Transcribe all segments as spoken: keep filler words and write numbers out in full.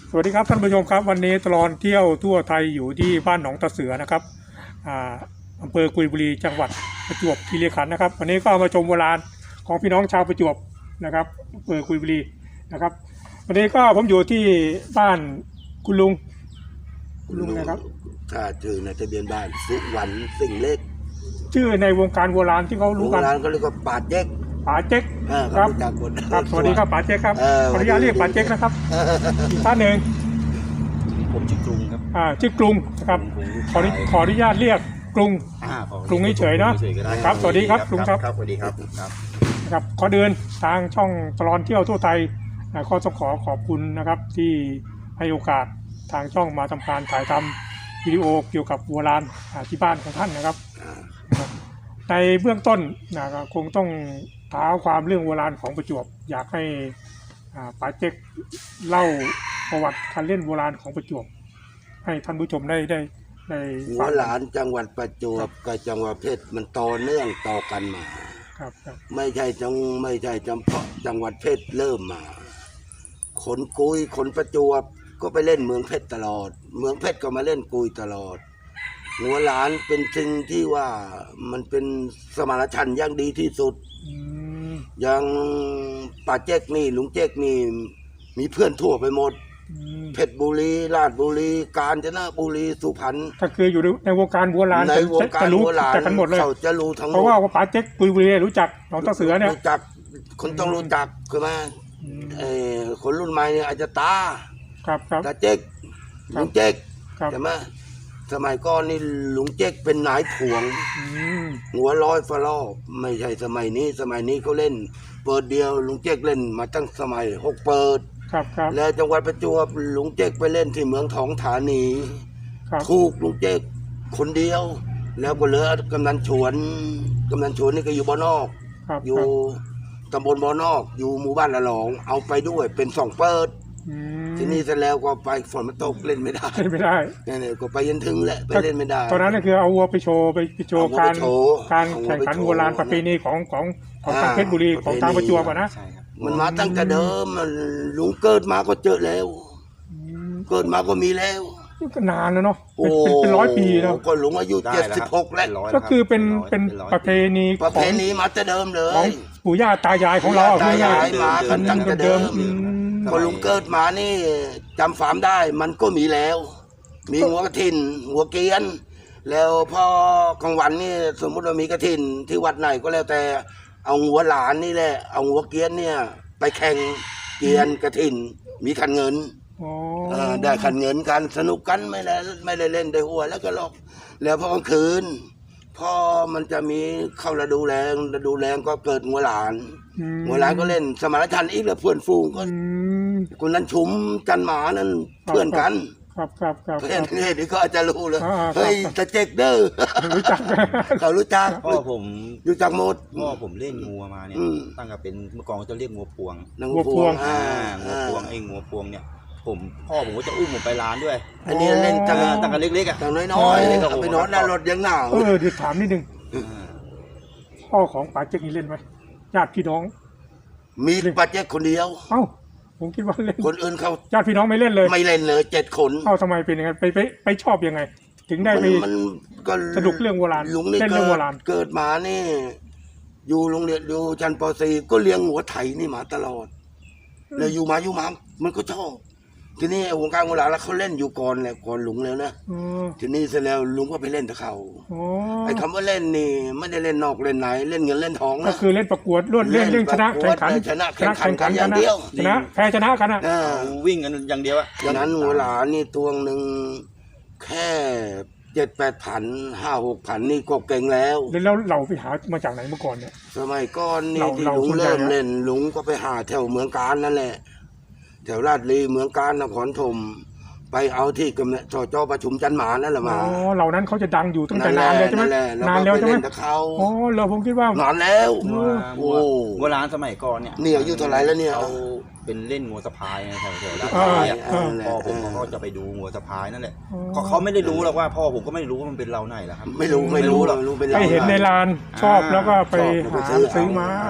สวัสดีครับท่านผู้ชมครับวันนี้ตลอดเที่ยวทั่วไทยอยู่ที่บ้านหนองตะเสือนะครับอ่าอำเภอกุยบุรีจังหวัดประจวบคีรีขันธ์นะครับวันนี้ก็มาชมโบราณของพี่น้องชาวประจวบนะครับอำเภอกุยบุรีนะครับวันนี้ก็ผมอยู่ที่บ้านคุณลุงคุณลุงนะครับถ้าชื่อในทะเบียนบ้านสุวรรณสิ่งเล็กชื่อในวงการโบราณที่เขารู้กันโบราณเขาเรียกว่าป่าเจ๊กป่าเจ๊กครับครับสวัสดีครับป่าเจ๊กครับขออนุญาตเรียกป่าเจ๊กนะครับอีกท่านหนึ่งผมชื่อกรุงครับอ่าชื่อกรุงนะครับขอขออนุญาตเรียกกรุงกรุงเฉยๆเนาะครับสวัสดีครับกรุงครับสวัสดีครับครับขอเดินทางช่องตลอดเที่ยวทั่วไทยก็ต้องขอขอบคุณนะครับที่ให้โอกาสทางช่องมาทำการถ่ายทำวิดีโอเกี่ยวกับโบราณที่บ้านของท่านนะครับในเบื้องต้นนะคงต้องท้าความเรื่องโบราณของประจวบอยากให้ป๋าเจ๊กเล่าประวัติการเล่นโบราณของประจวบให้ท่านผู้ชมได้ได้ได้หัวหลานจังหวัดประจวบกับจังหวัดเพชรมันต่อเนื่องต่อกันมาครับไม่ใช่จังไม่ใช่จำเพาะจังหวัดเพชรเริ่มมาขนกุยขนประจวบก็ไปเล่นเมืองเพชรตลอดเมืองเพชรก็มาเล่นกุยตลอดหัวหลานเป็นสิ่งที่ว่ามันเป็นสมานฉันท์อย่างดีที่สุดอย่างป่าเจ๊กนี่ลุงเจ๊กนี่มีเพื่อนทั่วไปหมดเพชรบุรีราชบุรีกาญจนบุรีสุพรรณก็คืออยู่ในวงการโบราณในวงการโบราณกันหมดเลยเขาจะรู้ทั้งหมดเพราะว่าป่าเจ๊กกุยบุรีรู้จักหนองตะเสือเนี่ยรู้จักคนต้องรู้จักคือมาเออคนรุ่นใหม่เนี่ยอาจจะตาครับครับตาเจ๊กลุงเจ๊กใช่ไหมสมัยก่อนนี่ลุงเจ๊กเป็นนายถ่วงหัวร้อยฟลอไม่ใช่สมัยนี้สมัยนี้เขาเล่นเปิดเดียวลุงเจ๊กเล่นมาตั้งสมัยหกเปิดแล้วจังหวัดประจวบลุงเจ๊กไปเล่นที่เมืองทองธานีถูกลุงเจ๊กคนเดียวแล้วก็เหลือกำนันฉวนกำนันฉวนนี่ก็อยู่บ่อนอกอยู่ตำบลบ่อนอกอยู่หมู่บ้านละหลองเอาไปด้วยเป็นสองเปิดที่นี่เสร็จแล้วก็ไปฝนมันตกเล่นไม่ได้เล่นไม่ได้เนี่ยก็ไปยันถึงแหละไปเล่นไม่ได้ตอนนั้นก็คือเอาวัวไปโชว์ไปโชว์การการแข่งขันโบราณประเพณีของของของทางเพชรบุรีของทางประจวบนะมันมาตั้งแต่เดิมลุงเกิดมาก็เจอแล้วเกิดมาก็มีแล้วก็นานแล้วเนาะเป็นร้อยปีแล้วก็ลุงอายุเจ็ดสิบหกแล้วก็คือเป็นเป็นประเพณีประเพณีมาแต่เดิมเลยของปู่ย่าตายายของเราตายายมากันตั้งแต่เดิมพอลุงเกิดมานี่จำฟาร์มได้มันก็มีแล้วมีหัวกระถินหัวเกียนแล้วพอกลางวันนี่สมมติว่ามีกระถินที่วัดไหนก็แล้วแต่เอาหัวหลานนี่แหละเอาหัวเกียนเนี่ยไปแข่งเกียนกระถินมีขันเงินได้ขันเงินกันสนุกกันไม่ได้ไม่ได้เล่นได้หัวแล้วก็ลอกแล้วพอกลางคืนพอมันจะมีเข้าฤดูแรงฤดูแรงก็เกิดหัวหลานหัวหลานก็เล่นสมานฉันท์อีกแล้วเพื่อนฟูงก็คนนั้นชุมจันหมานั่นเพื่อนกันครับครับครับเพื่อนนี่ก็อาจจะรู้เลยเฮ้ยตะเจ๊กเด้อรู้จักเขารู้จักพ่อผมรู้จักหมดพ่อผมเล่นงัวมาเนี่ยตั้งแต่เป็นเมื่อก่อนจะเรียกงัวพวงงัวพวงอ่างัวพวงไอ้งัวพวงเนี่ยผมพ่อผมก็จะอุ้มผมไปร้านด้วยอันนี้เล่นตั้งตั้งแต่เล็กๆอ่ะตั้งน้อยๆไปนอนหน้ารถยังหนาวเออเดี๋ยวถามนิดนึงพ่อของป๋าเจ๊กนี่เล่นไหมญาติพี่น้องมีป๋าเจ๊กคนเดียวเอ้าผมคิดว่าเล่นคนอื่นเขาญาติพี่น้องไม่เล่นเลยไม่เล่นเลยเจ็ดคนเอ้าทำไมเป็นยังไงไปไปไปชอบยังไงถึงได้ไปมันก็สนุกเรื่องโบราณเล่นเรื่องโบราณเกิดมานี่อยู่โรงเรียนอยู่ชั้นป .สี่ ก็เลี้ยงหัวไถนี่มาตลอดแล้วอยู่มาอยู่มามันก็ชอบทีนี้วงการโบราณแล้วเขาเล่นอยู่ก่อนแหละก่อนลุงแล้วนะทีนี้เสร็จแล้วลุงก็ไปเล่นกับเขาไอ้คำว่าเล่นนี่ไม่ได้เล่นนอกเล่นไหนเล่นเงินเล่นทองนะก็คือเล่นประกวดล้วนเล่นเล่นชนะแข่งขันชนะแข่งขันกันอย่างเดียวชนะแพ้ชนะกันนะวิ่งกันอย่างเดียวอะอย่างนั้นหัวหลานนี่ตัวหนึ่งแค่เจ็ดแปดพันห้าหกพันนี่ก็เก่งแล้วแล้วเราไปหามาจากไหนเมื่อก่อนเนี่ยสมัยก่อนนี่ที่ลุงเริ่มเล่นลุงก็ไปหาแถวเมืองการนั่นแหละแถวราชลีเมืองการนครธมไปเอาที่กำเนิดจอประชุมจันหมานั่นแหละมาอ๋อเหล่านั้นเขาจะดังอยู่ตั้งแต่นานเลยใช่ไหมนานแล้วใช่ไหมอ๋อเราผมคิดว่านานแล้วโอ้โบราณสมัยก่อนเนี่ยนี่อายุเท่าไหร่แล้วเนี่ยเขาเป็นเล่นงัวสะพายแถวแถวราชลีพ่อผมก็จะไปดูงัวสะพายนั่นแหละเขาไม่ได้รู้หรอกว่าพ่อผมก็ไม่รู้ว่ามันเป็นเราไหนแล้วครับไม่รู้ไม่รู้หรอกไปเห็นในลานชอบแล้วก็ไปหาซื้อมา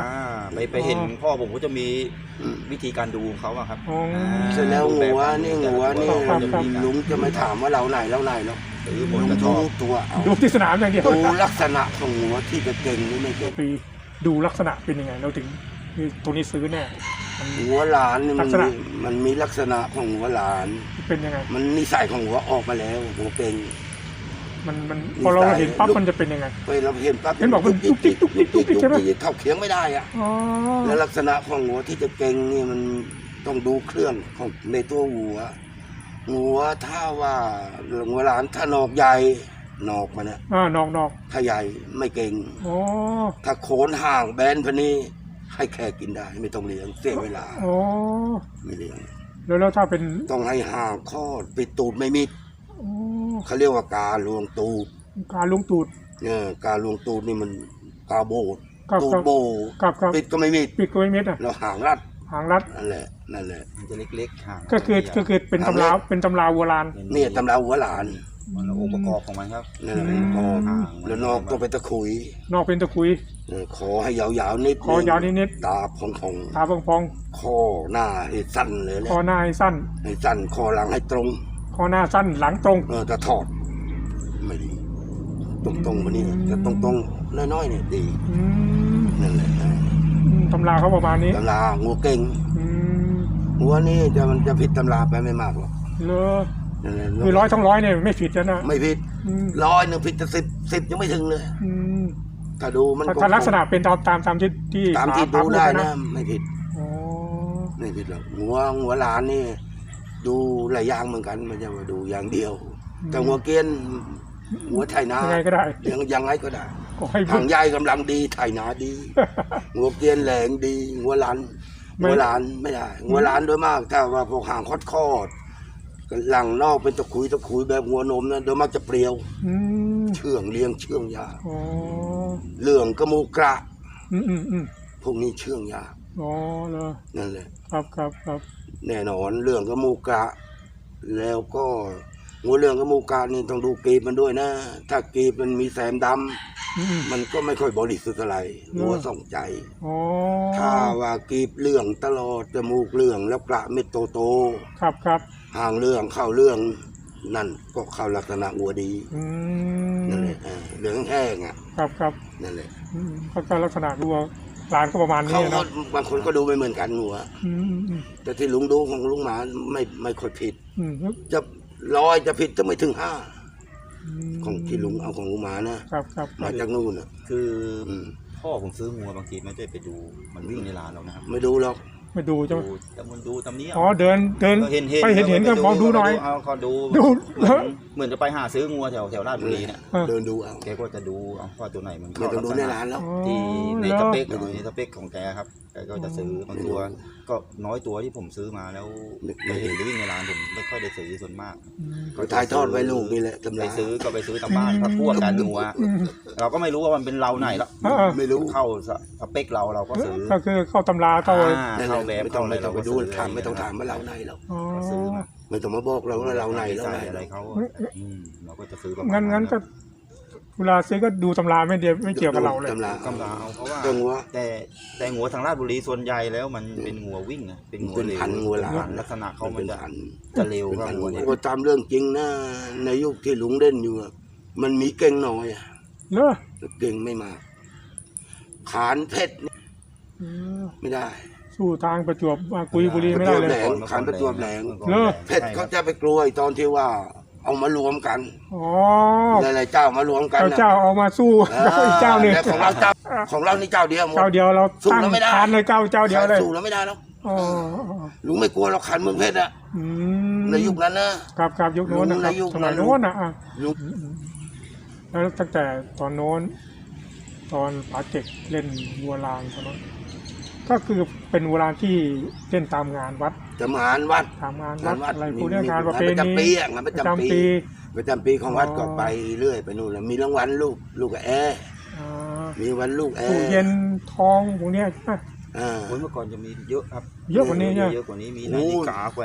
ไปไปเห็นอ๋อพ่อผมก็จะมีอืมวิธีการดูของเขาอะครับอ๋ออ่าเสร็จแล้วดูบบงัวนี่แต่ละงัวนี่ตัวเขาจะมีการลุงจะไม่ถามว่าเราไหนเราไหนหรอกซื้อหมลุดงกระชดูอบตัวเอาดูที่สนามอย่างเดียวดูลักษณะของงัวที่จะเก่งหรือไม่เก่งปีดูลักษณะเป็นยังไงเราถึงคือตัวนี้ซื้อแน่มันงัวหลานนี่ลัมันกษณะมีมันมีลักษณะของงัวหลานเป็นยังไงมันนิสัยของงัวออกมาแล้วงัวเก่งมันมันนิสัยพอเราเห็นปั๊บมันจะเป็นยังไงไปเราเห็นปั๊บเห็นบอกมันยุกยิกตุ๊ยุกกติ๊ยิกกตุ๊กติ๊กใช่ไหมยุกยิกเข้าเคียงไม่ได้อะอ๋อแล้วลักษณะของงัวที่จะเก่งนี่มันต้องดูเครื่องของในตัววัวงัวถ้าว่างัวหลานถ้านอกใหญ่นอกมันนะอ่านอกนอกถ้าใหญ่ไม่เก่งอ๋อถ้าโคนห่างแบนพะนี้ให้แค่กินได้ ไม่ต้องเลี้ยงเสียเวลาอ๋อไม่เลี้ยงแล้วแล้วถ้าเป็นต้องให้ห่างคลอดปิดตูดไม่มิดอ๋อเขาเรียกว่าการลวงตูดการลุงตูดเนี่ยการลวงตูดนี่มันกาโบดกับตูกัดบโบกับกับปิดก็ไม่มิดปิดกล้วยเม็ดอ่ะเราห่างรัดหางรัดนั่นแหละนั่นแหละมันจะเล็กๆห่างก็คือก็คือเป็นตำราเป็นตำราโบราณเนี่ยตำราหัวหลานมันองค์ประกอบของมันครับนั่นแหละอืมพอห่างแล้วนอกต้องไปตะขุยนอกเป็นตะคุยเออขอให้ยาวๆนิดคอยาวนิดตาพองพองๆตาพองๆคอหน้าให้สั้นเลยแหๆละคอหน้าให้สั้นให้สั้นคอหลังให้ตรงคอหน้าสั้นหลังตรงเออแต่ถอดไม่ดีตรงตรงๆมานี่แต่ตรงตรงๆน้อยๆเนี่ยดีอืมนั่นแหละนะอืมตำราเขาประมาณนี้ตำรางัวเก่งอืมงัวนี่จะมันจะผิดตำราไปไม่มากหรอกเลอนั่นแหละคือร้อยทั้งร้อยเนี่ยไม่ผิดแล้วนะไม่ผิดอืมร้อยหนึ่งผิดแต่สิบสิบยังไม่ถึงเลยอืมถ้าดูมันถ้าถ้าลักษณะเป็นตามตามตามที่ที่ตามที่ป๋ดูได้พูนะ ไม่ผิดอ๋อไม่ผิดหรอกหัวหัวหลานนี่ ดูหลายอย่างเหมือนกันไมันจะมาดูอย่างเดียว แต่หัวเกรียนหัวไถนายังไงก็ได้ยังยังไงก็ได้ก็ให้ทางใหญ่กำลังดีไถนาดี หัวเกรียนแหลงดีหัวหลานไม่หัวหลานไม่ได้หัวหลานโดยมากถ้าว่าพวกหางคอดคอดหลังนอกเป็นตะขุยตะขุยแบบหัวนมนะโดยมากจะเปรียวอืมเชื่องเลี้ยงเชื่องยากอ๋อเหลืองกระมูกระอืมอืมอืมพวกนี้เชื่องยากอ๋อเลยนั่นแหละครับครับครับแน่นอนเรื่องกระมูกะ แล้วก็หัวเรื่องกระมูกะนี่ต้องดูกรีบมันด้วยนะ ถ้ากรีบมันมีแสมดอืมำมันก็ไม่ค่อยบริสุทธิ์อะไรหัวส่องใจอ๋อถ้าว่ากรีบเรื่องตลอดจมูกเรื่องแล้วกระเม็ดโตโตครับครับๆห่างเรื่องเข้าเรื่อง นั่นก็เข้าลักษณะหัวดีอืนั่นมแหละเออเหลืองแห้งอ่ะครับครับนั่นแหละอืมก็ก็ลักษณะดูว่าร้านก็ประมาณนี้เขาก็เนาะบางคนก็ดูไม่เหมือนกันหัวอืมอืมแต่ที่ลุงดูของลุงหมาไม่ไม่ค่อยผิดอืมจะร้อยจะผิดจะไม่ถึงห้าอืมของที่ลุงเอาของลุงหมานะครับครับมาจากนู่นอ่ะคืออืมพ่อผมซื้องัวบางทีไม่ได้ไปดูมันวิ่งในร้านเรานะครับไม่ดูหรอกมาดูใช่ไหมดูแต่มันดูตำนี้อ๋อเดินเดินเห็นเห็นไปเห็นเห็นก็มองดูหน่อยเอาเขาดูดูเหมือนเหมือนจะไปหาซื้องัวแถวแถวราชบุรีเนี่ยเออเดินดูเอาแกก็จะดูเอาว่าตัวไหนมันไม่ต้องดูในร้านแล้วอ๋อที่ในเหรสอเปคหน่อยในสเปคของแกครับแกก็จะซื้อบางตัวก็น้อยตัวที่ผมซื้อมาแล้วไปเห็นวิ่งในร้านผมไม่ค่อยได้ซื้อส่วนมากอืมก็ถ่ายทอดไว้ลูกนี่แหละตำไปราซื้อก็ไปซื้อตามบ้านพักพวกกันงัวอืมเราก็ไม่รู้ว่ามันเป็นเราไหนแล้วเออไม่รู้เข้าสเปคเราเราก็ซื้อก็คือเข้าตำราเข้าอ่านั่นแหเข้าละแบบไม่ต้องเข้าอะไรไม่ต้องไปดูเรก็ซื้ถามไม่ต้องถามว่าเราไหนหรอกอ๋อก็ซื้อมาไม่ต้องมาบอกเราว่าเราไหนเราไหนใส่อะไรเขาอืมเราก็จะซื้อประมาณงั้นงั้นก็เวลาซื้อก็ดูตำราไม่เดียวไม่เกี่ยวกับเราเลยตำรากำลาเอาเพราะว่าตัวงัวแต่แต่งัวทางราชบุรีส่วนใหญ่แล้วมันเป็นงัววิ่งนะเป็นงัวเป็นเร็วพันงัวหลานลักษณะเขาเขามัเป็น นจะพันจะเร็วเป็นกว่าพันงัวเนี่ยก็ตามเรื่องจริงนะในยุคที่ลุงเล่นอยู่อะมันมีเก่งน้อยอะเนอะเก่งไม่มากขานเพชรนี่เออไม่ได้สู้ทางประจวบมากุยบุรีไม่ได้เลแหลยงขันประจวบแหลงเนอะเพชรเขาจะไปกลัวไอ้ตอนที่ว่า เอามารวมกันอ๋อหลายๆเจ้ามารวมกันเจ้านะเจ้าเอามาสู้แล้วอีกเจ้าหนึ่งแต่ของเราเจ้าของเรานี่เจ้าเดียวหมดเจ้าเดียวเราสู้ตั้งแล้วไม่ได้ทานเลยเจ้าเจ้าเดียวเลยสู้แล้วไม่ได้แล้วอ๋อลุงไม่กลัวเราขันเมืองเพชรอะอืมในยุคนั้นนะครับครับยุคโน้นนะครัในบยุคสมัยนั้นโน้นนะอ่ะลุงแล้วตั้งแต่ตอนโน้น ตอนป๋าเจ็กเล่นวัวลานตอนนั้นก็คือเป็นวัวลานที่เล่นตามงานวัดจะมานวัดตามงานงาวัดนวัดอะไรมีพวกเนี้ยมีงานประเพงานประณีจำปีอะงานประจำปี ประจำปีของวัดอ๋อก็ไปเรื่อยไปนู่นแล้วมีรางวัลลูกลูกแอร์อ่ามีวันลูกแอตู้ร์เย็นทองพวกเนี้ยอ่าโอ้ยเมื่อก่อนจะมีเยอะครับเยอะกว่านี้เนี่ยเยอะกว่านี้มีโอ้นาฬิกาแขวน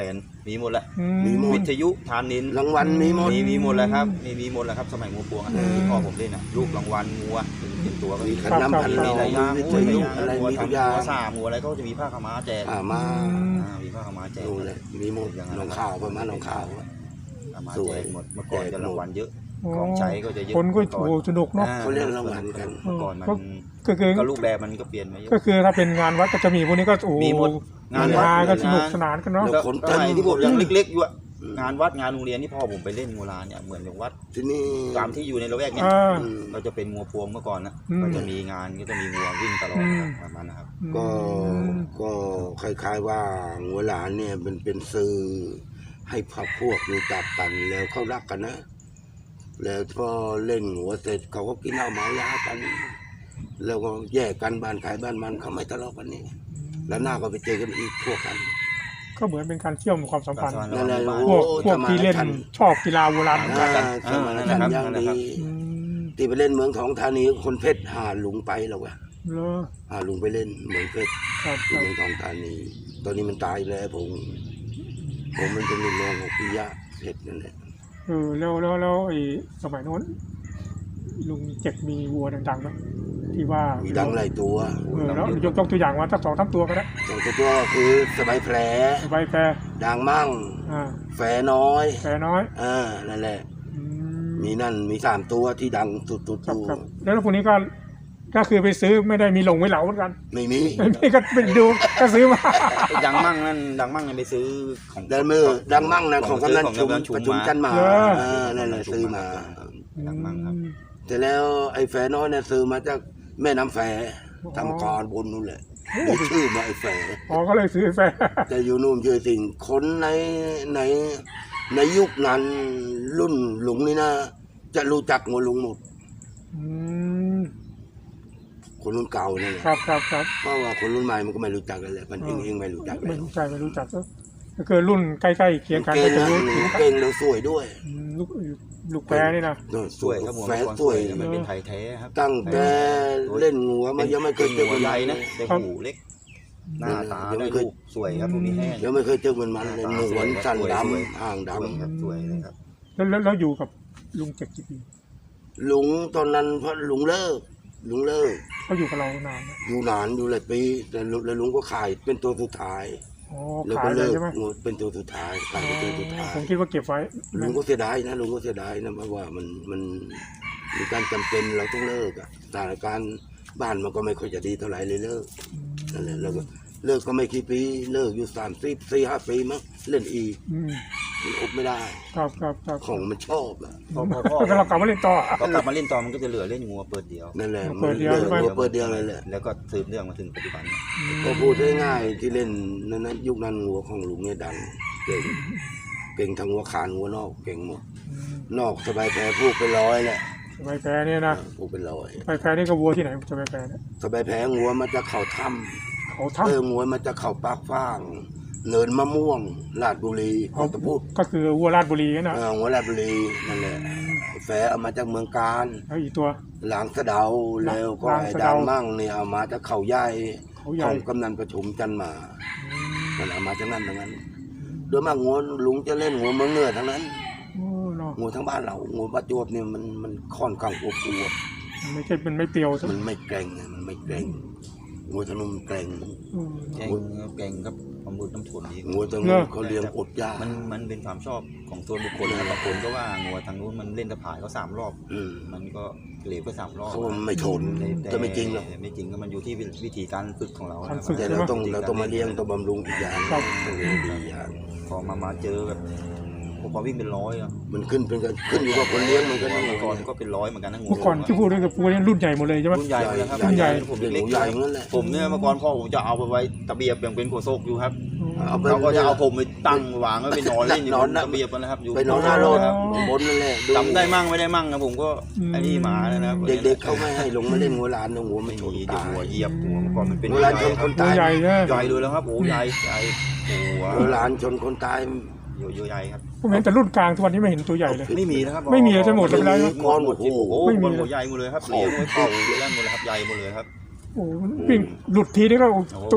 มีหมดแหละอืมีหมดวิทยุทานินรางวัลมีหมดมีมีหมดแล้วครับมีมีหมดแล้วครับสมัยงัวพวงอะอืมที่พ่อผมเล่นอะลูกรางวัลงัวเป็นเป็นตัวก็มีมีขันน้ำขันมีเราหลายอย่างมีวิโอ้ทยยุมีอะไรงัวมีทุกทำอย่างงัวสามงัวอะไรก็จะมีผ้าขาวม้าแจกอ่ามาอ่ามีผ้าขาวม้าแจกดูเลยมีหมดอย่างนั้นน้องข่าวประมาณน้องข่าวผ้าขาวม้าสวยแจกหมดเมื่อก่อนจะรางวัลเยอะอ๋อของใช้ก็จะเยอะคนก็โอ้โหสนุกเนาะอ่เขาเรียกรางวัลกันเมื่อก่อนมันก็คือก็รูปแบบมันก็เปลี่ยนไปเยอะก็คือถ้าเป็นงานวัดก็จะมีพวกนี้ก็โอ้โหมีหมดงานงวัดก็สนุกงานสนานกันเนาะแล้ว คนเต็สมมัยที่ผมยังเล็กๆอยู่อะงานวัดงานโรงเรียนที่พ่อผมไปเล่นโบราณเนี่ยเหมือนอย่างวัดที่นี่ตามที่อยู่ในละแวกเนี่ยอ่าอืมเราจะเป็นงัวพวงเมื่อก่อนนะอืมก็จะมีงานก็จะมีงัววิ่งตลอดอืมประมาณนะครับก็อืมก็คล้ายๆว่าหัวหลานเนี่ยเป็นเป็นสื่อให้พรรคพวกรู้จักกันแล้วเขารักกันนะ แล้วพอเล่นหัวเสร็จเขาก็กินเหล้าเมายากัน แล้วก็แยกกันบ้านขายบ้านมันเขาไม่ทะเลาะกันนี่แล้วหน้าก็ไปเจอกันอีกพวกกันก็เหมือนเป็นการเชื่อมความสัมพันธ์นั่นแหละพวกโอ้พวกที่เล่นสมัยทันชอบกีฬาโบราณเหมือนกันอ่าสมัยนั้นยังนั่นแหละครับดีอืมที่ไปเล่นเมืองทองธานีคนเพชรหาลุงไปแล้ววะเลอหาลุงไปเล่นเมืองเพชรครับคที่รับเมืองทองธานี ตอนนี้มันตายแล้วผม ผมมันเป็นลูกน้องของปิยะเพชรนั่นแหละเออแล้วแล้วแล้วไอ้สมัยโน้นลุงเจ็กมีวัวดังๆไหมที่ว่ามีดังหลายตัวเออแล้วยกยกตัวอย่างมาสักสองสามตัวก็ได้สองตัวก็คือสบายแผลใบแพรดังมั่งอ่าแฝน้อยแพรน้อยอ่านั่นแหละอืมมีนั่นมีสามตัวที่ดังสุดๆครับตัวครับแล้วพวกนี้ก็ก็คือไปซื้อไม่ได้มีหลงไว้เหลาเหมือนกันไม่มีไม่ไม่ก็ไปดูก็ซื้อมาไอ้ดังมั่งนั่นดังมั่งนั่นไปซื้อของดังมือดังมั่งนะของกำนันของชุมกำนันชุมประชุมมาจันหมาเหรอเออนั่นแหละซื้อมาดังมั่งครับแต่แล้วไอ้แฝน้อยเนี่ยซื้อมาจากแม่น้ำแฝอ๋อทำกรบนนู่นแหละได้ชื่อมาไอ้แฝอ๋อก็เลยซื้อแฟร์แต่อยู่นู่นชื่อสิ่งคนในในในยุคนั้นรุ่นหลุงนี่นะ จะรู้จักงัวลุงหมดอืมคนรุ่นเก่านี่แหละครับครับครับเพราะว่าคนรุ่นใหม่มันก็ไม่รู้จักกันเลยมันเองอ๋อเองไม่รู้จักไม่แล้วรู้ใจไม่รู้จักก็ก็คือรุ่นใกล้ๆเคียงกันเก่ก็งจะนะรู้ถึงเก่งแล้วสวยด้วยอืมลูกลูกแพรนี่นะเออสวยครับผมแฝเมื่อก่อนสสววย ยมันเป็นไทยแท้ครับตั้งแต่เล่นงัวมันยังไม่เคยเจอหัมัวน ใหใหญ่ญ่นะนะแต่หูเล็ก หน้าตายังไม่ได้เคยลูกสวยครับพวกนี้แห้งยังไม่เคยเจอมันมันเลยตาหนวลสั้นสวยดสวยำห่างดสวยครับสวยเลยครับแล้วแล้วแล้วอยู่กับลุงเจ็กกี่ปีำลุงตอนนั้นเพราะลุงเลิกลุงเลิกเขาอยู่กับเรานานไหมอยู่นานอยู่หลายปีแต่ลุแล้วลุงก็ขายเป็นตัวสุดท้ายอ๋อแล้วขาก็ยเลเลิยกใช่ไหมงดเป็นตัวสุดท้ายขายเป็นตัวสุดท้ายผมคิดว่าเก็บไว้ลุงก็เสียดายนะลุงก็เสียดายนะเพราะว่ามันมันมีการจำเป็นเราต้องเลิกอะสถานการณ์บ้านมันก็ไม่ค่อยจะดีเท่าไหร่เลยเลิกนั่นแหละแล้วก็เลิกก็ไม่กี่ปีเลิกอยู่สามสิบสี่ห้าปีมั้งเล่นอีกอืมมันอบไม่ได้ครับครับครับของมันชอบอะพอพอพ่อก็เรากลับมาเล่นต่อก็กลับมาเล่นตอนมันก็จะเหลือเล่นงัวเปิดเดียวนั่นแหละเปิดเดียวมันใช่ไหมเลิกเปิดเดียวเลยแหละแล้วก็สืบเรื่องมาถึงปัจจุบันก็พูดง่ายๆที่เล่นนั้นนะยุคนั้นหัวของลุงเนี่ยดังเก่งเก่งทั้งหัวขานหัวนอกเก่งหมด นอกสบายแพ้พูกเป็นร้อยแหละใบแพรเนี่ยนะพูกเป็นร้อยใบแพรนี่ก็วัวที่ไหนจะใบแพรเนี่ยสบายแพ้หัวมันจะเข่าถ้เขาำทำเออหัวมันจะเข่าปากฟ้างเนินมะม่วงลาดบุรีเขาจะพูดก็คือวัวราชบุรีนะเออหัวลาดบุรีนั่นแหละแฝเอามาจากเมืองการแล้วอีกตัวหลางสะเดาแล้วก็หลางไอ้สะดัเดางมั่งเนี่ยเอามาจากเขาใหญ่เขาใหขญ่องกำนันประชุมจันหมามันเอามาจากนั้นทั้งนั้นโดยมากงัวลุงจะเล่นงัวเมืองเหนือทั้งนั้นโอ้เนาะงูทั้งบ้านเรางูประจวบเนี่ยมันมันค่อนข้างอวบอวบมันไม่ใช่มันไม่เปรียวใช่ไหมมันไม่เกรงไงมันไม่เกรงงูทะนุมนเกรงอืมแกงแกงกับความบุญน้ำถั่วดีงูทะเหรนุอมเขาเลี้ยงอดยากมันมันเป็นความชอบของส่วนบุคคลนะบางคนก็ว่างัวทางนู้นมันเล่นตะผายเขาสามรอบอืมมันก็เหลวก็สามรอบเขาว่ามันไม่ทนแต่จะไม่จริงหรอกไม่จริงก็มันอยู่ที่วิธีการฝึกของเราการฝึกแต่เราต้องเราต้องมาเลี้ยงต้องบำรุงอีกอย่างครับต้องเลี้ยงดีอย่างพอมามาเจอแบบผมว่าวิ่งเป็นร้อยอะมันขึ้นเป็นกันขึ้นอยู่กับคนเลี้ยงมันก็เมื่นี่อก่อนก็เป็นร้อยเหมือนกันนะงูเมื่อก่อนที่พูดด้วยกับวัวเนี่ยรุ่นใหญ่หมดเลยใช่ไหมรุ่นใหญ่เลยครับรุ่นใหญ่ผมเป็นหเล็กมูๆใหญ่นั่นแหละผมเนี่ยเมื่อก่อนพ่อผมจะเอาไปไว้ตะเบียบอย่างเป็นหัวโซกอยู่ครับเอาไปเขาก็จะเอาผมไปตั้งวางไว้ไปนอนเล่นอยู่นบอนนนะตะเบียบนะครับอยู่ไปนอนหน้ารถครับบนนั่นแหละจำได้มั่งไม่ได้มั่งนะผมก็ไอ้นี่หมาแล้วนะครับเด็กๆเขาไม่ให้ลงมาเล่นหัวลานนะหัวไม่ไม่ชนมีเดี๋ยวตายหัวเหยียบหัวเมื่อก่อนมันเป็นหัวลานชนคนตัวตายใหญ่นะใหญ่เลยแล้วครับโอ้ใหญ่ใหญ่หัวหัวลานชนคนตายอยู่อยู่ใหญ่ครับผมเห็นแต่รุ่นกลางทุกวันนี้ไม่เห็นตัวใหญ่เลยไม่มีนะครับไม่มีเลยทั้งหมดเลยนะหมดหมดโอ้โหไม่มีหัวใหญ่หมดเลยครับเลี้ยงไว้เข่าเลี้ยงหมดเลยครับใหญ่หมดเลยครับโอ้วิ่งหลุดทีนี่ก็โอ้ตุ๊บ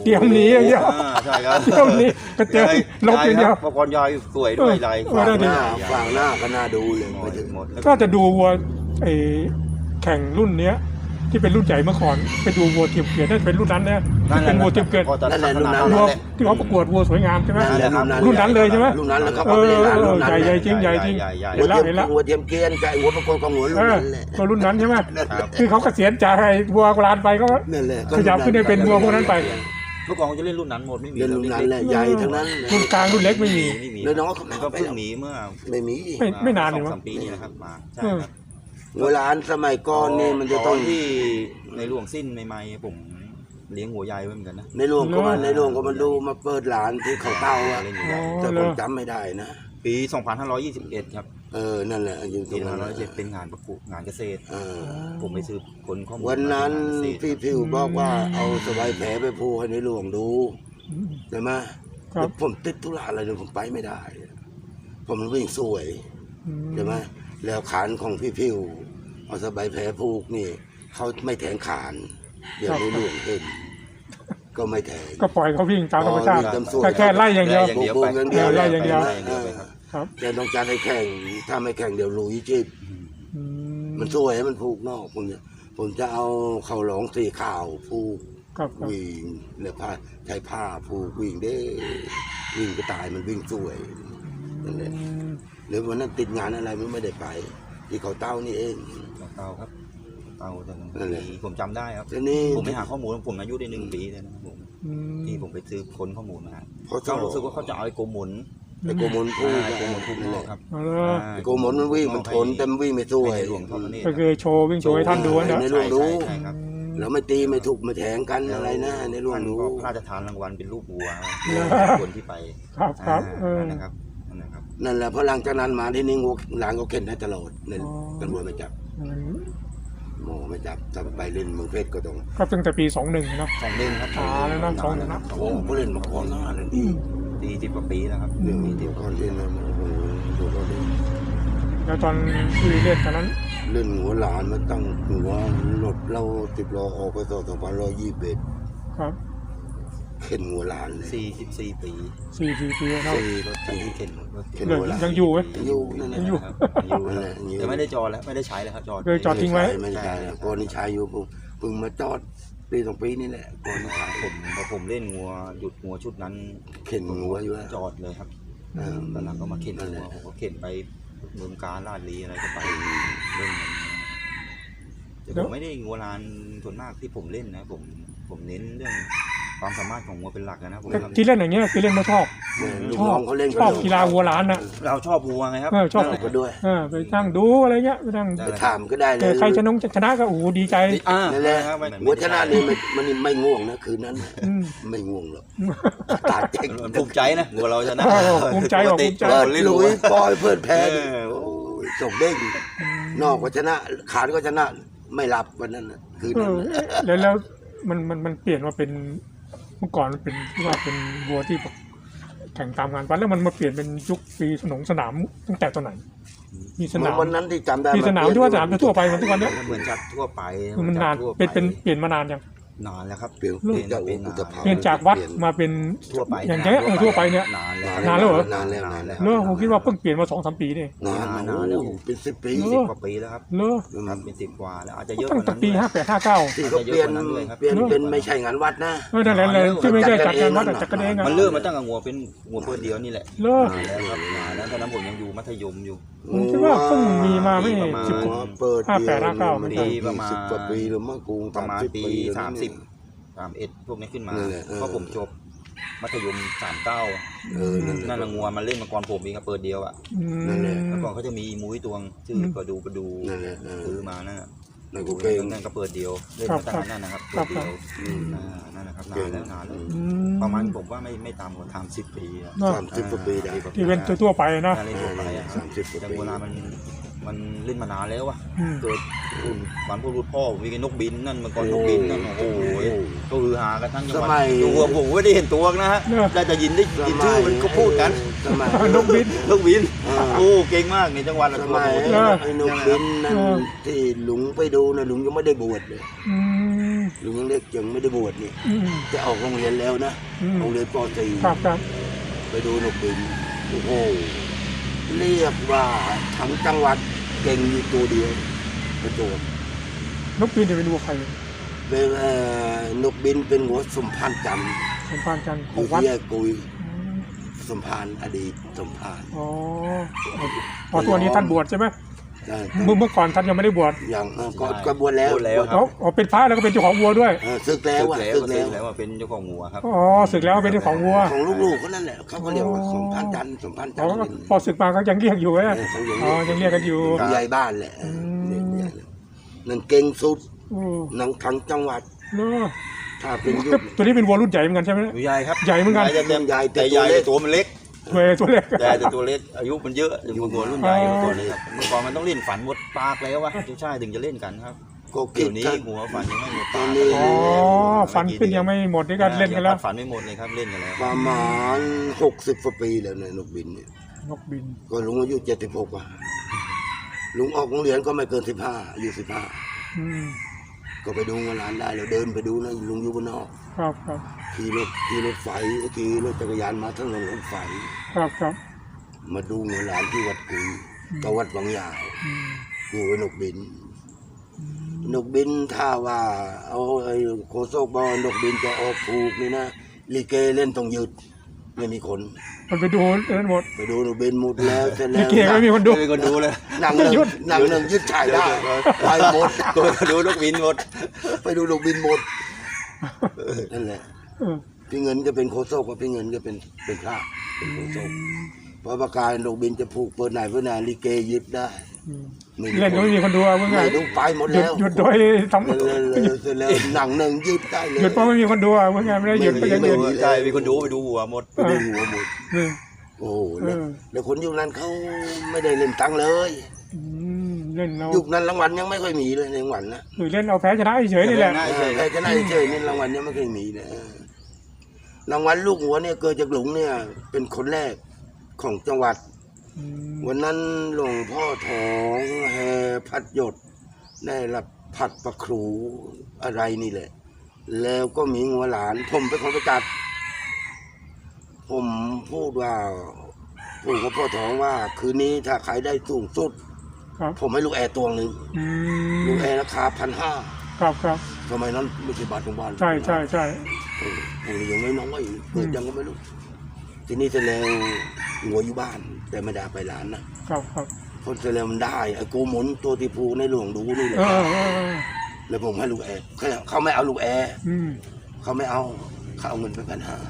เตรียมหนีอย่างเดียวอ่าใช่ครับเตรียมหนีก็เตรียมลบอย่างเดียวเมื่อก่อนยายสวยด้วยลายเออได้หดิน้าฝั่งหน้าก็น่าดูเลยหมไปดถึงหมดก็จะดูวัวไอ้แข่งรุ่นเนี้ย ที่เป็นรุ่นใหญ่เมื่อก่อนไปดูวัวเทียมเกวียนนั่นเป็นรุ่นนั้นนะที่เป็นวัวเทียมเกวียนนั่นแหละรุ่นนั้นวัวแหละที่เขาประกวดวัวสวยงามใช่ไหมนั่นแหละรุ่นนั้นเลยใช่ไหมรุ่นนั้นแล้วครับเออเอาไปเล่นร้านรุ่นนั้นใหญ่ใหญ่จริงใหญ่จริงใหญ่หัวเห็นเทีแล้วยมเห็นแล้วหัวเทียมเกรียนกับไอ้หัวประกวดของหัวรุ่นเออนั้นแหละก็รุ่นนั้นใช่ไหมครับคือเขาเกษียณจากไอ้วัวโบราณไปก็นั่นแหละขยับขึ้นได้เป็นวัวพวกนั้นไปเมื่อก่อนเขาจะเล่นรุ่นนั้นหมดไม่มีเล่นรุ่นนั้นแหละใหญ่ทั้งนั้นรุ่นกลางรุ่นเล็กไม่มีไม่มีแล้วน้องเขามันก็ก็ไปเพิ่งหนีเมื่อไม่มีไม่ไม่นานสเลอย งมั้งสามปีนี่นะครับมาใช่เออครับเวลาสมัยก่อนนี่มันจะต้องที่ในหลวงสิ้นใหม่ๆผมเลี้ยงหัวใหญ่ไว้เหมือนกันนะในหลวงก็มาในหลวงก็มาดูมาเปิดร้านที่เขาเต้าอะเล่นหัวใหญ่แต่ผมจำไม่ได้นะปี สองพันห้าร้อยยี่สิบเอ็ด ครับเออนั่นแหละอยู่ตปีรงนั้นห้าร้อยเจ็ดเป็นงานประกวดงานเกษตรเออผมไปซื้อคนข้อมูลวันนั้นมาจากงาเกษตรพี่พิวบอกว่าเอาสบายแผลไปพูให้ในหลวงดูใช่ไหมครับแล้วผมติดธุระอะไรเลยผมไปไม่ได้ ผมวิ่งสวยอืมใช่ไหมแล้วขานของพี่พิวเอาสบายแผลผูกนี่เขาไม่แทงขานเดี๋ยวในหลวงเห็นก็ไม่แทงก็ปล่อยเขาวิ่งตามธรรมชาติอ๋อวิ่งตามสวนแค่แค่ไล่อย่างเดียวอย่างเดียวโบไปกๆอย่างเดียวไล่อย่างเดียวไล่อย่างเดียวไปครับครับแต่ต้องการให้แข่งถ้าไม่แข่งเดี๋ยวลุยจีบอืมันสวยมันผูกนอกผมจะผมจะเอาเขาหลองสีขาวผูกครับครับวิ่งแล้วผ้าใช้ผ้าผูกวิ่งได้วิ่งก็ตายมันวิ่งสวยนั่นแหละอืมหรือวันนั้นติดงานอะไรมันไม่ได้ไป ที่เขาเต้านี่เองเตาครับเตาแต่นั่นแหละปีผมจำได้ครับทีนี้ผมไปหาข้อมูลผมอายุได้หนึ่งปีเลยนะครับผมอืมที่ผมไปซื้อค้นข้อมูลมาเพราะเขารู้สึกว่าเขาจะเอาไอ้โกหมุนไอ้โกมลผูกไอ้โกหมุนทุกนั่นนแหอกละครับเอาเลยอ่าไอ้โกมลมันวิ่งมันทนแต่มันวิ่งไม่สวยให้ในหลวงทอดพระเนตรก็คือโชว์วิ่งโชว์ให้ท่านดูนะในหลวงรู้ใช่ครับแล้วไม่ตีไม่ถูกไม่แทงกันอะไรนะในหลวงท่านรู้ก็พระราชทานรางวัลเป็นรูปวัวคนที่ไปครับครับเออนั่นนะครับนั่นนะครับนั่นแหละเพราะหลังจากนั้นมาที่นี่งูหลานก็เข็นได้ตลอดในอ๋อตำรวจไม่จับหมอไม่จับถ้าไปเล่นเมืองเพชรก็ต้องก็ตั้งแต่ปีสองหนึ่งนะสองเล่นครับอ่าแล้วนะสองนะสองโอ้เล่นผู้เล่นมาก่อนหน้านั่นอีกสี่สิบกว่าปีแล้วครับเรื่องสี่สิเดีบยวกก่อว่าน ปีที่นั่นโอ้โหดูเราดิแล้วตอนที่เล่นตอนนั้นเล่นหัวหลานมาตั้งหัวรถเราติดรอออกไปต่อสองพันร้อยยี่สิบเอ็ดครับเข็นหัวหลานเลยสี่สิบสี่ปีสี่สี่ปีแล้วสี่รถคันที่เข็นรถเข็นเลยหัวหลานยังอยู่ไหมอยู่นั่นแหละยังอยู่ครับอยู่นั่นแหละอยู่แต่ไม่ได้จอดแล้วไม่ได้ใช้แล้วครับจอดเคยจอดทิ้งไว้ไม่ใช่ก่อนนี้ใช้อยู่เพิ่งเพิ่งมาจอดปีสองปีนี่แหละก่อนนี้ใช้ผมพอผมเล่นงัวหยุดงัวชุดนั้นเข็นหัวอยู่แล้วจอดเลยครับเออตอนหลังก็มาเข็นนั่นแหงัวละผมก็เข็นไปเมืองการลาดลีอะไรก็ไปเล่นมันแต่ผมไม่ได้งัวลานส่วนมากที่ผมเล่นนะผมผมเน้นเรื่องความสามารถของงัวเป็นหลักนะผมแต่ที่เล่นอย่างเงี้ยคือเล่นมาชอบลูกชอน้บองเขาเล่นชอบกีฬาวัวล้านนะเราชอบวัวไงครับเออชอบนั่นแหละก็ด้วยเออไปนั่งดูอะไรเงี้ยไปนั่งไปถามก็ได้เลแต่ยใครชนะชนะก็โอ้โหดีใจอ่านั่นแหละครับไม่หัวชนะนี่มันมันไม่ง่วงนะคืนนั้นอืมไม่ง่วงหรอกตาเจ๊งมันภูมิใจนะวัวเราชนะเออภูมิใจว่ะภูมิใจเปิดลุยปล่อยเพื่อนแพ้เอดิอโอ้โอ้ยส่งเด้งนอกก็ชนะขาดก็ชนะไม่หลับวันนั้นน่ะคืนเอนั้นอน่ะแล้วแล้วมันมันมันเปลี่ยนมาเป็นเมื่อก่อนมันเป็นที่ว่าเป็นวัวที่แบบแข่งตามงานวัดแล้วมันมาเปลี่ยนเป็นยุคปีสนงสนามตั้งแต่ตอนไหน มีสนามวันนั้นที่จำได้มีสนามที่ว่าสนามทั่วไปมันทุกวันเนี้ยเหมือนจัดทั่วไปคือมันนานจัดทั่วไเป็นเป็นเปลี่ยนมานานยังนานแล้วครับเปลี่ยนเปลี่ยนจากเป็นอุตภาเปลี่ยนจากวัดมาเป็นทั่วไปอย่างเงี้ยเออทั่วไปเนี่ยนานแล้วนานแล้วเหรอนานแล้วนานแล้วเนอะผมคิดว่าเพิ่งเปลี่ยนมาสองสามปีนี่นานนานนะแล้วโอ้โหเป็นสิบปีเนสิบอะกว่าปีแล้วครับเลอะครับเป็นสิบกว่าแล้วอาจจะเยอะกตั้งว่าแต่นั้นปีด้วยห้าแปดห้าเก้าที่เขาเปลี่ยนอาจจะเยอะกว่านั้นด้วยครับเปลี่ยนเนอะเป็นไม่ใช่งานวัดนะเออนั่นแหละเลยที่ไม่ได้จัดการวัดแต่จัดกันเองอะมันเริ่มมาตั้งแต่งัวเป็นงัวเพื่อเดียวนี่แหละเลอะนานแล้วครับนานแล้วตอนนั้นผมยังอยู่มัธยมอยู่ผมคิดว่าเพิ่งมีมาไม่ประมาณสิบกอ๋ว่าอเปิดห้าแปดห้าเก้ามันปีประมาณสิบกว่าปีแล้วมั้งกูประมาณปีแล้วสามสิบเนี่ยสามเอ็ดพวกนี้ขึ้นมานั่นแหละเออเพราะผมจบมัธยมสามเก้าเออนั่นแหนั่นละละงัวมันเล่นมาก่อนผมเองก็เปิดเดียวอ่ะอืมนั่นแหละแล้วก่อนเขาจะมีมุ้ยตวงชื่อประดูประดูนั่นแหละเออซื้อมานั่นน่ะนั่นกูเก่งนั่นก็เปิดเดียวเล่นครับมาตั้งแต่นั่นนะครับเปิดเดียวอืมอ่านั่นนะครับนาเก่งนแล้วนานแล้วอืมประมาณผมว่าไม่ไม่ต่ำกว่าทำสิบปีอะเนอะสามสิบกว่าปีได้ที่เป็นทั่วๆไปนะน่าเล่นทั่วไปอะครับสามสิบกว่าแต่ปีโบราณมันมันเล่นมานานแล้วอะอืมเกิดรุ่นฝันพวกรุ่นพ่อมีนกบินนั่นเมื่อก่อนนกบินนั่นโอ้โหก็ฮือฮากันทั้งจังหวัดตัวผมไม่ได้เห็นตัวนะฮะได้แต่ยินได้ยินชื่อมันก็พูดกันสมัยนกบินนกบินอ่าโอ้เก่งมากในจังหวัดละสตัวมัยโอ้โหเออไอ้นกบินนั่นเออที่หลุงไปดูนะหลุงยังไม่ได้บวชเลยอืมมลุงยังเล็กยังไม่ได้บวชนี่อืมจะออกโรงเรียนแล้วนะอืมโรงเรียนป .สี่ครับครับไปดูนกบินโอ้โหเรียกว่าทั้งจังหวัดเก่งอยู่ตัวเดียวประจวบนกบินจะเป็นวัวใครเป็นเอ่อนกบินเป็นหัวสมพานจันทร์สมภารจันทร์อของยู่วัดที่แยกกุยอืมสมพานอดีตสมพานอ๋อพอตัวนี้ท่านบวชใช่ไหมใช่เมื่อเมื่อก่อนท่านยังไม่ได้บวชอย่างเอ่อก็ก็บวชแล้วบวชแล้วครับอ๋ออ๋อเป็นพระแล้วก็เป็นเจ้าของวัวด้วยเออศึกแล้แล้ว วอ่ะแล้วศึกแล้แล้ว วแล้วว่าเป็นเจ้าของงัวครับอ๋อศึกแล้วเป็นเจ้าของวัวของลูกๆก็นั่นแหละเขาก็เรียกว่าสมพานจันทร์สมพานจัอ๋นอทร์พอศึกมาก็ยังเรียกอยู่เอนะอเขายังอ๋อยังเรียกกันอยู่ผู้ใหญ่บ้านแหละเออมเรียกใหญ่เลยนั่นเก่งสุดโอ้หนังทั้งจังหวัดเนอะถ้าเป็นยุก็คตัวนี้เป็นวัวรุ่นใหญ่เหมือนกันใช่ไหมใหญ่ครับใหญ่เหมือนกันจะเต็มใหญ่แต่แต่ใหญ่ตัวเล็กแต่ตัวมันเล็กตัวตัวเล็กใหญ่แต่ตัวเล็กอายุมันเยอะอยู่หัวรุ่นใหญ่อ๋อตัวนี้ครับเมื่อก่อนมันต้องเล่นฝันหมดปากแล้ววะใช่ถึงจะเล่นกันครับก็คิเดี๋ดยวนี้ถ้าหัวฝันยังไม่หมดตอปาน กนี้อ๋อฟันขึ้นยังไม่หมดนี่ก็เล่นกันแล้วฝันไม่หมดเลยครับเล่นกันแล้วประมาณหกสิบกว่าปีแล้วเนี่ยนกบินเนี่ยนกบินก็ลุงอายุเจ็ดสิบหกอ่ะลุงออกโรงเรียนก็ไม่เกินสิบห้าอายุสิบห้าอืมก็ไปดูงานร้านได้เราเดินไปดูนะลุงอยู่บนนอกครับครับขี่รถขี่รถไฟขี่รถจักรยานมาทั้งลงรถไฟครับครับมาดูงานร้านที่วัดกุยกับวัดบางยาวอืมดูนกบิน นกบินถ้าว่าเอาไอ้โคโซกบอลนกบินจะออกถูกนี่นะลิเกเล่นต้องหยุดไม่มีคนมันไปดูนั่นหมดไปดูนกบินหมดแล้วเสร็จลิแล้วเกไม่มีคนดูไม่มีคนดูเลยหนังหนึ่งหยุดหนังหนึ่งยึดฉายได้ไปหมดก็ไปดูนกบินหมดไปดูนกบินหมดเออนั่นแหละเออพี่เงินก็เป็นโคโซกกับพี่เงินก็เป็นเป็นพระเป็นโคโซกเพราะประกายนกบินจะผูกเปิดไหนเปิดไหนลิเกยึดได้อืมไม่เล่นก็ไม่มีคนดูเอาเมื่อไงไม่ดูไปหมดหยุดแล้วหยุดโดยทำเลยเลยเลยเสร็จแล้วหนังหนึ่งยึดได้เลยหยุดเพราะไม่มีคนดูเอาเมื่อไงไม่ได้หยุดก็ยังหยุดไม่ใช่มีคนดูไปดูหัวหมดไปดูหัวหมดเออโอ้โหแล้วเออแล้วคนยุคนั้นเขาไม่ได้เล่นตังค์เลยอืมเล่นเอายุคนั้นรางวัลยังไม่ค่อยมีเลยในรางวัลนะหรือเล่นเอาแพ้ชนะเฉยๆนี่แหละใช่ใครจะได้เฉยนี่รางวัลยังไม่เคยมีนะรางวัลลูกหัวเนี่ยเกิดจากหลวงเนี่ย เป็นคนแรกของจังหวัดอืมวันนั้นหลวงพ่อทองแห่พัดหยดได้รับผัดประครูอะไรนี่แหละ แล้วก็มีงัวหลาน ผมเป็นคนไปจัด ผมพูดว่าพูดกับพ่อทองว่า คืนนี้ถ้าใครได้สูงสุดครับผมให้ลูกแอร์ตัวหนึ่งอืมลูกแอร์ราคาพันห้าครับครับสมัยนั้นไม่ใช่บาทของบ้านใช่ใช่ใช่โอ้โหยังไม่น้อยเกิดยังก็ไม่รู้ ทีนี้เสร็จแล้วหัวอยู่บ้าน แต่ไม่ได้ไปร้านนะครับครับเพราะเสร็จแล้วมันได้ไอ้โกหมุนตัวที่ภูในหลวงดูนี่แหละเออเออเออแล้วผมให้ลูกแอร์เขาเขาไม่เอาลูกแอร์อืมเขาไม่เอาเขาเอาเงินไปพันห้า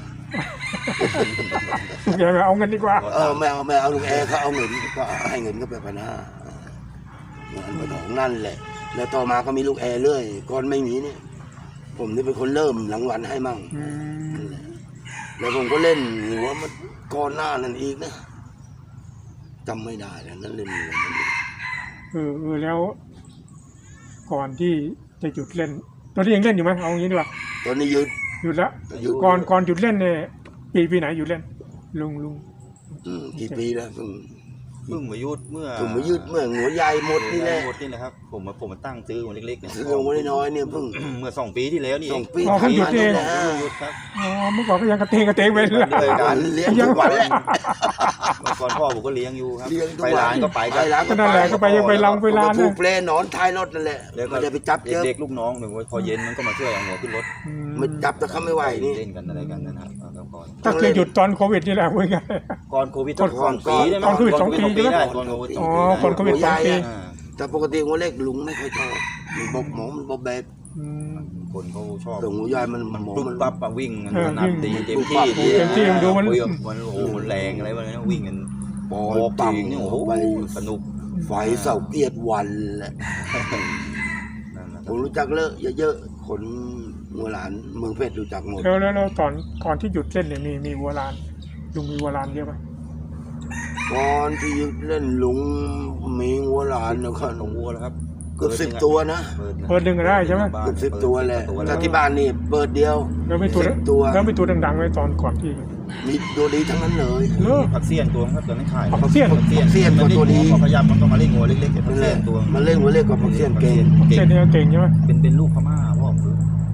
อย่าไปเอาเงินดีกว่าเออไม่เอาไม่เอาลูกแอร์เขาเอาเงินก็ให้เงินก็ไปพันห้าเงินไปของนั่นแหละ แล้วต่อมาก็มีลูกแอร์เรื่อยก่อนไม่มีเนี่ย ผมนี่เป็นคนเริ่มรางวัลให้มั่งอืมนั่นแหละแล้วผมก็เล่นหัวมันก่อนหน้านั่นอีกนะจำไม่ได้แล้วนั่นเล่นหัวมันเออเออแล้ว ก่อนที่จะหยุดเล่น ตอนนี้ยังเล่นอยู่ไหมเอางี้ดีกว่าตอนนี้หยุดหยุดแล้วหยุดก่อนก่อนหยุดเล่นเนี่ยปีปีไหนหยุดเล่น ลุงลุงอืมกี่ปีแล้วเพิ่งเพิ่งมายุดเมื่อผมมายืดเมื่อหัวใหญ่หมดนี่แหละหมดนี่แหละครับ ผมมาผมมาตั้งซื้อมาเล็กๆเนี่ยซื้อหัวน้อยๆเนี่ยเพิ่งเมื่อสองปีที่แล้วนี่สเอองงปีอ๋อเพิ่งหยุดเองผ่านมาเพิ่งนี่หยุดครับอ๋อเมื่อก่อนก็ยังกระเตงกระเตงไปเลยเลยแหละการเลี้ยงทุกวันแหละเมื่อก่อนพ่อผมก็เลี้ยงอยู่ครับเลี้ยงทุกไปวันร้านก็ไปไปร้านก็นั่นแหละก็ไปยังไปลองไปร้านผูนะกเปลหนอนท้ายรถนั่นแหละแล้วก็ไม่ได้ไปจับเยอะเด็กๆลูกน้องหนึ่งพอเย็นมันก็มาช่วยเอาหัวขึ้นรถอืมมันจับแต่เขาไม่ไหวนี่เล่นกันอะไรกันนะครับเอาก่อนก็คือหยุดตอนโควิดนี่แหละพูดง่ายก่อนโควิดก่อนสองปีได้ไหมก่อนโควิดสองปีใช่ไหมได้ก่อนโควิดสอ๋อองปีได้ก่อนโควิดสองปีอ่าแต่ปกติหัวเล็กลุงไม่ค่อยชอบมันบกหมอมันบกแบบอืมคนเขาชอบแต่หัวใหญ่มันมันหมอปุ๊บมันปั๊บอะวิ่งมันเออขนาดตีวิ่งเต็มปุ๊บปั๊ที่บเต็มที่มันดูมันโอ้ยมันโอ้โหมันแรงอะไรวะเนี่ยวิ่งกันปอโอ้ยปัปั๊งมเนี่ยโอ้โหไปสนุกไฟเสาเกียรติวันแหละนั่นแหละผมรู้จักเลอะเยอะๆคนหัวหลานเมืองเพชรรู้จักหมดแล้วแล้วแล้วตอนก่อนที่หยุดเล่นเนี่ยมีมีวัวลานลุงมีวัวลานเยอะไหมก่อนที่ยึดเล่นลุงมีหัวหลานนะครัของวัวแล้วครับเกือบสิบตัวนะเปิดดึงก็ได้ใช่ไหมเกือบสิบตัวแหละเปิดแต่ที่บ้านนี่เปิดเดียวแล้วไม่ตัวสิบตัวแล้วไม่ตัวดังๆไว้ตอนก่อนที่มีตัวดีทั้งนั้นเลยเลิกผักเสี้ยนตัวครับตัวนั้นขายผักเสี้ยนผักเสี้ยนเสี้ยนมันตัวดีพอขยับมันก็มาเล่นงัวเล็กๆแต่ผันั่กนแหเสี้ยละนตัวมันเล่นหัวเล็กกว่าผักเสี้ยนเก่งเก่งเนี่ยเก่งใช่ไหมเป็นเป็นลูกพม่าพ่อผม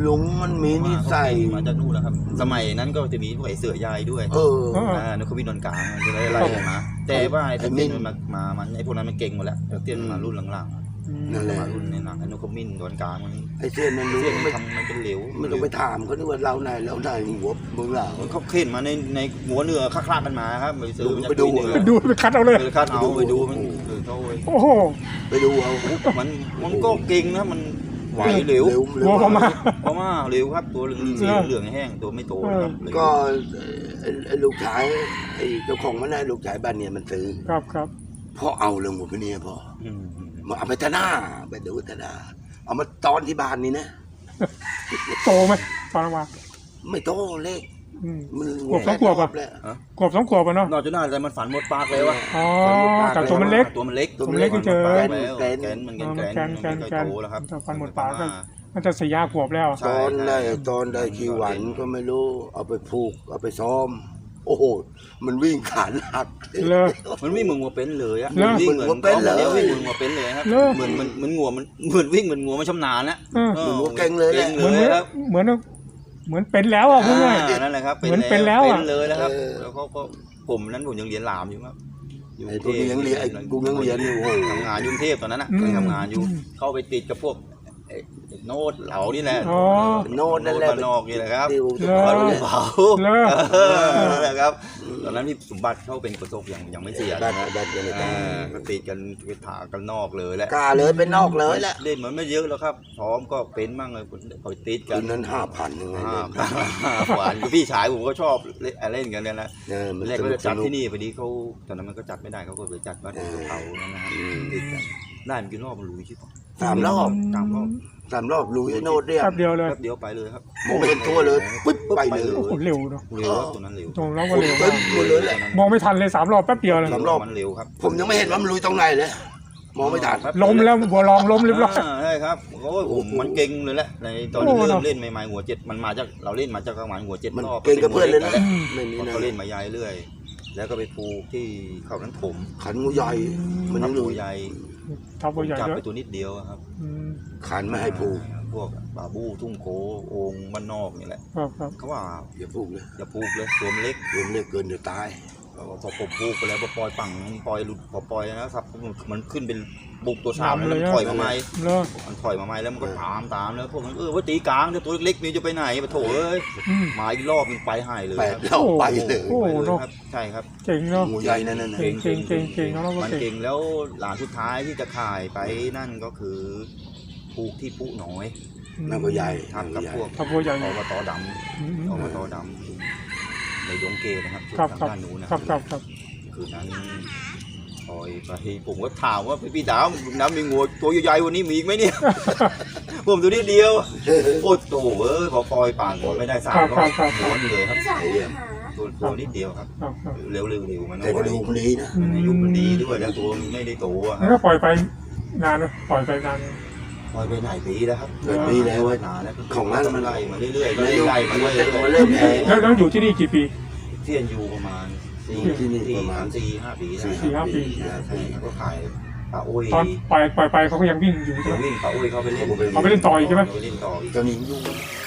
ลุงมันมีนิสัยมาจากนู่นแล้วครับ สมัยนั้นก็จะมีพวกไอ้เสือใหญ่ด้วยเอออ่านกขมิ้นนวลกลางอะไรอะไรมาแต่ว่าไอ้เตี้ยนมันมามันไอ้พวกนั้นมันเก่งหมดแล้วเตี้ยนมารุ่นหลังๆนั่นแหละมารุ่นในหลังไอ้นกขมิ้นนวลกลางมันไอ้เส้นนั้นลุงเตี้ยนไม่ทำมันเป็นเหลวไม่ต้องไปถามเขาด้วยว่าเราไหนเราไหนหัวมึงเหล่าเขาเข็นมาในในหัวเนื้อคลาดกันมาครับไปซื้อไปดูไปดูไปคัดเอาเลยไปคัดเอาไปดูมันคือเขาโอ้โหไปดูเอามันมันก็เก่งนะมันไหวเหลวหัวพม่าเพราะว่าเหลวครับตัวเหลืองเหลืองแห้งตัวไม่โตนะครับก็ไอ้ลูกชายไอ้เจ้าของมันได้ลูกชายบ้านเนี่ยมันซื้อครับครับพ่อเอาเรื่องหมดไปเนี่ยพ่ออืมมาเอาไปทนาไปดูทนาเอามาตอนที่บ้านนี่นะโตไหมตอนออกมาไม่โตเล็กอืมมันขวบสองขวบอะแล้วขวบสองขวบอะเนาะนอกจากนั้นแต่มันฝันหมดปากเลยวะอ๋อแต่ตัวมันเล็กตัวมันเล็กตัวมันเล็กที่เจอแกนแกนแกนมันแกนแกนแกนแกนมันแกก็นโตแล้วครับแต่ฟันหมดปากก็มันจะสี่ห้าขวบแล้วใช่ตอนได้ตอนได้ขี้หวันก็ไม่รู้ เอาไปผูกเอาไปซ้อม โอ้โหมันวิ่งขาหักเลยมันวิ่งเหมือนงัวเป็นเลยอะเหรอวิ่งเหมือนเหมือนงัวเป็นเลยดี๋ววิ่งเหมือนงัวเป็นเลยครับเหรอเหมือนมันเหมือนงัวมันเหมือนวิ่งเหมือนงัวมันชำนาญนะเออออเหมือนงัวเก่งเลยแหละก่งเหมือนเลยครับเหมือนเหมือนเป็นแล้วอ่ะพูดง่ายอ่านั่นแหละครับเหมือนเป็นแล้วอะเป็นเลยนะครับเออแล้วเขาก็ผมนั้นผมยังเรียนหลามอยู่ครับยู่ไอ้ตัวนี้ยังเรียนไอ้กูยังเรียนอยู่โอ้โหทำงานอยกรุงเทพตอนนั้นน่ะอืมเคยทำงานอยู่อืมเข้าไปติดกับพวกไอ้ไอ้โน้ตเหลานี่แหละอ๋อโน่นนั่นแหละบ้านนอกนี่แหละครับติวเหรอมาลูกเผาเหรอเออนั่นแหละครับ ตอนนั้นพี่สมบัติเขาเป็นกระทบยังยังไม่เสียได้นะได้ได้ได้อ่าก็ติดกันไปถากันนอกเลยแหละกล้าเลยเป็นนอกเลยแหละเล่นเหมือนไม่เยอะแล้วครับพร้อมก็เป็นมั่งเลยคอยติดกัคืนนนั้นห้าพันยังไงอ่าเนี่ยหวานคือพี่ชายผมก็ชอบเล่นเล่นกันเนี่ยนะเออมันแรกสก็นุจะกสจัดนุกที่นี่พอดีเขาตอนนั้นมันก็จัดไม่ได้เขาก็ไปจัดวัดเขานั่นนะฮะอืมติดกันได้มันกี่รอบมันรู้ใช่ปะสามรอบสามรอบสามรอบลุยไอ้โน่นเรียกแป๊บเดียวเลยแป๊บเดียวไปเลยครับมองไม่เห็นตัวเลยปึ๊บไปเลยโอ้โหเร็วเนาะเร็วครับตัวนั้นเร็วตรงแล้วก็เร็วปึ๊บหมดเลยแหละมองไม่ทันเลยสามรอบแป๊บเดียวเลยสามรอบมันเร็วครับผมยังไม่เห็นว่ามันลุยตรงไหนเลย มองไม่ทันล้มแล้วบัวลองล้มเรียบร้อยาใช่ครับโอ้ยผมมันเก่งเลยแหละในตอนที่เริ่มเล่นใหม่ๆหัวเจ็ดมันมาจากเราเล่นมาจากประมาณหัวเจ็ดมันรอบเก่งกับเพื่อนเลยนะแหละไม่มีนะเขาเล่นมายายเรื่อย แล้วก็ไปปูที่เขานั้นผมขันงูใหญ่ มันยังตัลุวย ใหญ่ทับบัวใหญ่จับเยไปอะตัวนิดเดียวอะครับอืมขันไม่ให้ผูกพวกบาบูทุ่งโคโองบ้านนอกนี่แหละครับครับเขาว่าอย่าผูกเลยอย่าผูกเลยตัวมันเล็กรวมเรียกเกินเดี๋ยวตายพอผมผูกไปแล้วพอปล่อยฝั่งปล่อยหลุดพอปล่อยนะครับมันขึ้นเป็นบุกตัวสามแล้วมันถอยมาใหม่เลิกมันถอยมาใหม่แล้วมันก็ตามตามแล้วพวกมันเออว่าตีกลางเดี๋ยวตัวเล็กๆนี่จะไปไหนปะโถเอ้ยอืมมาอีกรอบมันไปหายเลยแปดครับรอบไปเลยโอ้โหไปเลยครับใช่ครับเก่งเนาะงูใหญ่นั่นน่ะเก่งเก่งเก่งเก่งแล้วก็มันเก่งเก่งแล้วหลานสุดท้ายที่จะขายไปนั่นก็คือผูกที่ผู้น้อยนั่นก็ใหญ่ทำกับพวกทับบัวใหญ่อบตดอืมำอบตดำในดงเกนะครับครับทางครับด้านนู้นนะครับครับครับคืนนั้นปล่อยไปผมก็ถามว่าพี่ดาวน้ำมีงูตัวใหญ่ๆวันนี้มีอีกไหมเนี่ย ผมตัวนิดเดียวโอ้โตเอ้ยพอปล่อยป่านหัวไม่ได้สามก็หัวนี่เลยครับไอ้เหี้ยตัวตัวนิดเดียวครับครับครับเร็วๆเร็วมันแต่กระดูกมันดีนะมันอายุมันดีด้วยแล้วตัวมันไม่ได้โตอะคแล้วรับก็ปล่อยไปนานนะปล่อยไปนานปล่อยไปหลายปีแล้วครับเกิดปีแล้วเว้ยนานแล้วของนั้นมันไล่มาเรื่อยๆมันไล่มาเรื่อยมันเริ่มแพงแล้วแล้วอยู่ที่นี่กี่ปีๆเทียนอยู่ประมาณสี่ที่นี่สี่ประมาณสี่ห้าปีได้สี่ห้าปีใช่ครับก็ขายปลาอุ้ยตอนปล่อยปล่อยไปเขาก็ยังวิ่งอยู่ใช่เดี๋ยวไหมวิ่งปลาอุ้ยเขาไปเล่นเอาไปเล่นต่ออีกใช่ไหมเอาไปเล่นต่ออีกตอนนี้ยุ่ง